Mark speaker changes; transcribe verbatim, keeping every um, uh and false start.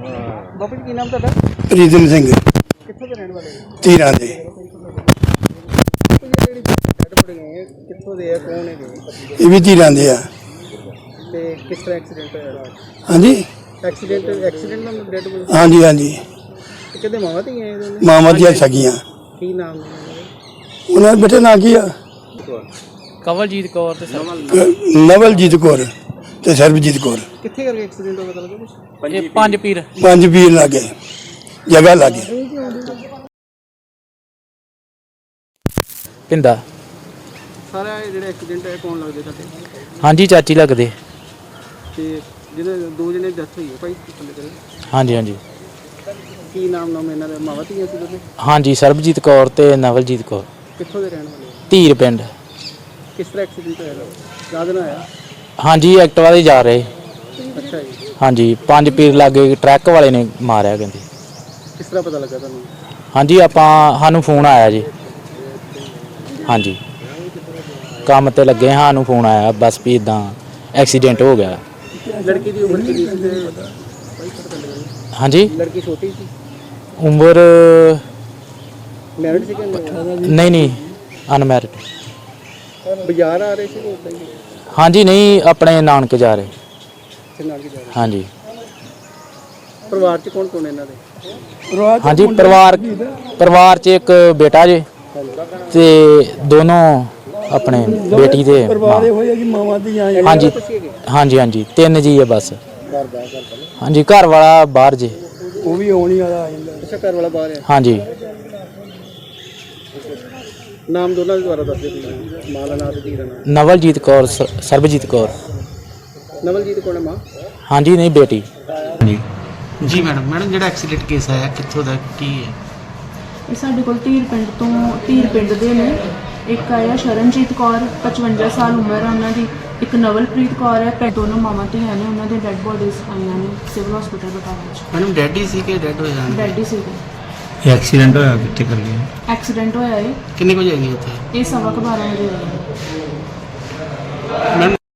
Speaker 1: ਬਾਪੂ ਜੀ ਕੀ ਨਾਮ ਤੁਹਾਡਾ?
Speaker 2: ਪ੍ਰੀਤਮ ਸਿੰਘ
Speaker 1: ਕਿੱਥੋਂ ਦੇ ਰਹਿਣ ਵਾਲੇ ਹੋ?
Speaker 2: ਧੀਰਾਂ ਦੇ।
Speaker 1: ਜਿਹੜੀ ਡੈਡ ਬੋਡੀ ਹੈ ਕਿੱਥੋਂ ਦੇ ਆ, ਕੌਣ ਹੈਗੇ
Speaker 2: ਇਹ ਵੀ ਧੀਰਾਂ ਦੇ ਆ।
Speaker 1: ਤੇ ਕਿਸ ਤਰ੍ਹਾਂ ਐਕਸੀਡੈਂਟ ਹੋਇਆ?
Speaker 2: ਹਾਂਜੀ
Speaker 1: ਐਕਸੀਡੈਂਟ ਐਕਸੀਡੈਂਟ ਨਾਲ ਡੈਡ ਬੋਡੀ
Speaker 2: ਹਾਂਜੀ ਹਾਂਜੀ
Speaker 1: ਕਿਹਦੇ ਮਾਵਾਂ ਧੀਆਂ ਇਹ ਦੋਨੇ?
Speaker 2: ਮਾਵਾਂ ਦੀਆਂ ਸਗੀਆਂ।
Speaker 1: ਕੀ ਨਾਮ ਹੈ
Speaker 2: ਉਹਨਾਂ ਦੇ ਬੇਟੇ ਨਾਂ ਕੀ ਆ?
Speaker 3: ਕਵਲਜੀਤ ਕੌਰ ਤੇ
Speaker 2: ਕ- ਨਵਲਜੀਤ ਕੌਰ ਤੇ ਸਰਬਜੀਤ ਕੌਰ।
Speaker 1: ਕਿੱਥੇ ਕਰਕੇ ਐਕਸੀਡੈਂਟ ਹੋਇਆ ਪਤਾ ਲੱਗਾ ਕੁਛ?
Speaker 3: ਇਹ ਪੰਜ ਪੀਰ
Speaker 2: ਪੰਜ ਵੀਰ ਲਾਗੇ ਜਗ੍ਹਾ ਲਾਗੇ।
Speaker 3: ਪਿੰਦਾ।
Speaker 1: ਸਾਰਾ ਇਹ ਜਿਹੜਾ ਐਕਸੀਡੈਂਟ ਹੈ ਕੌਣ ਲੱਗਦੇ ਤੁਹਾਡੇ?
Speaker 3: ਹਾਂਜੀ ਚਾਚੀ ਲੱਗਦੇ।
Speaker 1: ਤੇ ਜਿਹਦੇ ਦੋ ਜਣੇ ਡੈਥ ਹੋਈ ਹੈ ਭਾਈ ਥੱਲੇ ਕਰੇ,
Speaker 3: ਹਾਂਜੀ ਹਾਂਜੀ
Speaker 1: ਕੀ ਨਾਮ ਨਾਮ ਇਹਨਾਂ ਦਾ? ਮਾਵਾਂ ਧੀਆਂ ਸੀ ਦੋਨੇ?
Speaker 3: ਹਾਂਜੀ ਸਰਬਜੀਤ ਕੌਰ ਤੇ ਨਵਲਜੀਤ ਕੌਰ।
Speaker 1: ਕਿੱਥੋਂ ਦੇ ਰਹਿਣ ਵਾਲੇ ਹੋ?
Speaker 3: ਧੀਰ ਪਿੰਡ।
Speaker 1: ਕਿਸ ਤਰ੍ਹਾਂ ਐਕਸੀਡੈਂਟ ਹੋਇਆ? ਰਾਤ ਨੂੰ ਆਇਆ?
Speaker 3: ਹਾਂਜੀ ਐਕਟਿਵਾ ਤੇ ਜਾ ਰਹੇ।
Speaker 1: ਅੱਛਾ ਜੀ,
Speaker 3: ਹਾਂਜੀ ਪੰਜ ਪੀਰ ਲਾਗੇ ਟਰੱਕ ਵਾਲੇ ਨੇ ਮਾਰਿਆ ਕਹਿੰਦੇ।
Speaker 1: ਕਿਸ ਤਰ੍ਹਾਂ ਪਤਾ ਲੱਗਾ ਤੁਹਾਨੂੰ?
Speaker 3: ਹਾਂਜੀ ਆਪਾਂ ਸਾਨੂੰ ਫੋਨ ਆਇਆ ਜੀ। ਹਾਂਜੀ ਕੰਮ ਤੇ ਲੱਗੇ, ਸਾਨੂੰ ਫੋਨ ਆਇਆ ਬਸ ਵੀ ਇਦਾਂ ਐਕਸੀਡੈਂਟ ਹੋ ਗਿਆ।
Speaker 1: ਲੜਕੀ ਦੀ ਉਮਰ ਕਿੰਨੀ ਸੀ? ਤੇ
Speaker 3: ਹਾਂਜੀ
Speaker 1: ਲੜਕੀ ਛੋਟੀ ਸੀ?
Speaker 3: ਉਮਰ
Speaker 1: ਮੈਰਿਡ ਸੀ ਕਿ ਨਹੀਂ?
Speaker 3: ਨਹੀਂ ਨਹੀਂ ਅਨਮੈਰਿਡ।
Speaker 1: ਬਾਜ਼ਾਰ ਆ ਰਹੇ ਸੀ ਕਿ ਉੱਦਾਂ ਹੀ
Speaker 3: ਹਾਂਜੀ ਨਹੀਂ ਆਪਣੇ ਨਾਨਕੇ ਜਾ ਰਹੇ।
Speaker 1: ਇੱਥੇ ਨਾਲ ਹੀ ਜਾ ਰਹੇ?
Speaker 3: ਹਾਂਜੀ
Speaker 1: ਪਰਿਵਾਰ 'ਚ ਕੌਣ ਕੌਣ ਇਹਨਾਂ ਦੇ?
Speaker 3: ਹਾਂਜੀ ਪਰਿਵਾਰ ਪਰਿਵਾਰ 'ਚ ਇੱਕ ਬੇਟਾ ਜੇ ਤੇ ਦੋਨੋਂ ਆਪਣੇ ਬੇਟੀ ਦੇ
Speaker 2: ਪਰਿਵਾਰ ਹੋਏ ਆ ਕਿ ਮਾਵਾਂ ਦੀਆਂ।
Speaker 3: ਹਾਂਜੀ
Speaker 1: ਤੁਸੀਂ ਹੈਗੇ?
Speaker 3: ਹਾਂਜੀ ਹਾਂਜੀ ਤਿੰਨ ਜੀ ਹੈ ਬਸ।
Speaker 1: ਘਰ ਬਾਹਰ ਘਰ ਬਾਹਰ?
Speaker 3: ਹਾਂਜੀ ਘਰ ਵਾਲਾ ਬਾਹਰ ਜੇ।
Speaker 2: ਉਹ ਵੀ ਆਉਣੀ ਵਾਲਾ ਆ ਜਾਂਦਾ।
Speaker 1: ਅੱਛਾ, ਘਰ ਵਾਲਾ ਬਾਹਰ ਹੈ।
Speaker 3: ਹਾਂਜੀ
Speaker 1: ਨਾਮ ਦੋਨਾਂ ਦੇ ਦੁਆਰਾ ਦੱਸ ਦਿਓ ਤੁਸੀਂ। ਮਾਂ ਦਾ ਨਾਮ ਤੇ ਧੀ ਦਾ ਨਾਮ?
Speaker 3: ਨਵਲਜੀਤ ਕੌਰ ਸ- ਸਰਬਜੀਤ ਕੌਰ।
Speaker 1: ਨਵਲਜੀਤ ਕੌਣ ਹੈ ਮਾਂ?
Speaker 3: ਹਾਂਜੀ ਨਹੀਂ ਬੇਟੀ।
Speaker 1: ਜੀ ਮੈਡਮ ਮੈਡਮ ਜਿਹੜਾ ਐਕਸੀਡੈਂਟ ਕੇਸ ਆਇਆ ਕਿੱਥੋਂ ਦਾ ਕੀ ਹੈ?
Speaker 4: ਇਹ ਸਾਡੇ ਕੋਲ ਧੀਰ ਪਿੰਡ ਤੋਂ ਧੀਰ ਪਿੰਡ ਦੇ ਨੇ। ਇੱਕ ਆਇਆ ਸ਼ਰਨਜੀਤ ਕੌਰ ਪਚਵੰਜਾ ਸਾਲ ਉਮਰ ਹੈ ਉਹਨਾਂ ਦੀ। ਇੱਕ ਨਵਲਪ੍ਰੀਤ ਕੌਰ ਹੈ। ਪੈ ਦੋਨੋਂ ਮਾਵਾਂ ਧੀਆਂ ਨੇ। ਉਹਨਾਂ ਦੇ ਡੈੱਡ ਬੋਡੀਜ਼ ਆਈਆਂ ਨੇ ਸਿਵਲ ਹਸਪੀਟਲ ਬਟਾਲਾ 'ਚ।
Speaker 1: ਮੈਡਮ ਡੈਡ ਹੀ ਸੀ ਕਿ ਡੈਡ ਹੋ ਜਾਣ?
Speaker 4: ਡੈਡ ਹੀ ਸੀਗੇ।
Speaker 5: ਇਹ ਐਕਸੀਡੈਂਟ ਹੋਇਆ ਕਿੱਥੇ ਕਰ ਗਿਆ?
Speaker 4: ਐਕਸੀਡੈਂਟ ਹੋਇਆ ਹੈ
Speaker 1: ਕਿੰਨੇ ਵਜੇ ਆਈ ਉੱਥੇ
Speaker 4: ਇਹ ਸਵਾ ਕੁ ਬਾਰਾਂ ਵਜੇ ਹੋਇਆ।
Speaker 1: ਮੈਡਮ